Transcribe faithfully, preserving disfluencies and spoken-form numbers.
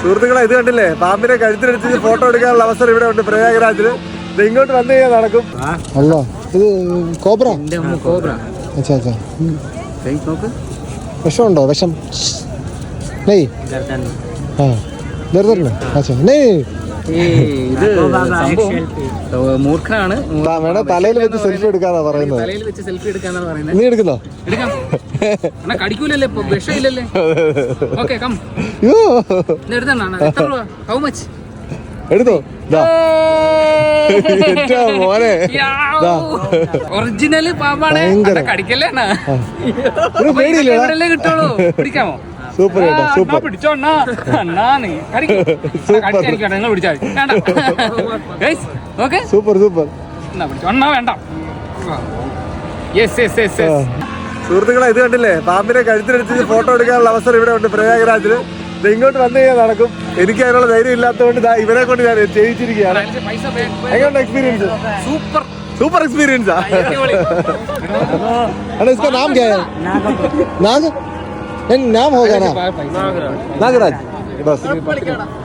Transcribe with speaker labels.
Speaker 1: സുഹൃത്തുക്കളെ ഇത് കണ്ടില്ലേ, പാമ്പിനെ കഴുത്തിനടിച്ച് ഫോട്ടോ എടുക്കാനുള്ള അവസരം ഇവിടെ ഉണ്ട് പ്രയാഗ്രാജില്. ഇത് ഇങ്ങോട്ട് വന്നു കഴിഞ്ഞാൽ നടക്കും.
Speaker 2: അല്ല ഇത് കോബ്ര.
Speaker 3: കോബ്ര.
Speaker 2: അച്ഛാ അച്ഛാ
Speaker 3: നോക്ക്,
Speaker 2: വിഷമുണ്ടോ? വിഷം നെയ് ആ ദർദറിന് അച്ഛാ നെയ്.
Speaker 3: ഇത് മൂർഖനാണ്.
Speaker 2: വേണം തലയിൽ വെച്ച് സെൽഫി എടുക്കാന്നാ പറയുന്നത്.
Speaker 3: തലയിൽ വെച്ച് സെൽഫി എടുക്കാന്നാണ് പറയുന്നത്.
Speaker 2: നീ എടുക്കുന്നോ?
Speaker 3: എടുക്കാം. കടിക്കൂലല്ലേ, വിഷമില്ലല്ലേ? Okay come. എത്ര രൂപ? How much?
Speaker 2: എടുത്തോ മോനെ.
Speaker 3: ഒറിജിനൽ പാമ്പാണ്, കടിക്കല്ലേ?
Speaker 2: പേടിയില്ലേ?
Speaker 3: കിട്ടുള്ളൂ. പിടിക്കാമോ?
Speaker 2: സൂപ്പർ കേട്ടോ, സൂപ്പർ.
Speaker 3: പിടിച്ചോ അണ്ണാ, അണ്ണാ നീ നിങ്ങൾ പിടിച്ചാൽ ഓക്കെ.
Speaker 2: Super super.
Speaker 3: എന്നാ പിടിച്ചോ അണ്ണാ, വേണ്ട. Yes yes yes yes.
Speaker 1: സുഹൃത്തുക്കളെ ഇത് കണ്ടില്ലേ, പാമ്പിനെ കഴുത്തിനടിച്ച് ഫോട്ടോ എടുക്കാനുള്ള അവസരം ഇവിടെ ഉണ്ട് പ്രയാഗ്രാജില്. ഇത് ഇങ്ങോട്ട് വന്നു കഴിഞ്ഞാൽ നടക്കും. എനിക്ക് അതിനുള്ള ധൈര്യം ഇല്ലാത്തതുകൊണ്ട് ഇവരെ കൊണ്ട് ഞാൻ ചെയ്യിച്ചിരിക്കുകയാണ്. എങ്ങനെയുണ്ട് എക്സ്പീരിയൻസ്?
Speaker 3: Super
Speaker 1: super എക്സ്പീരിയൻസാ.
Speaker 2: इसका नाम क्या है? नाग नाम होगा ना? नागराज बस.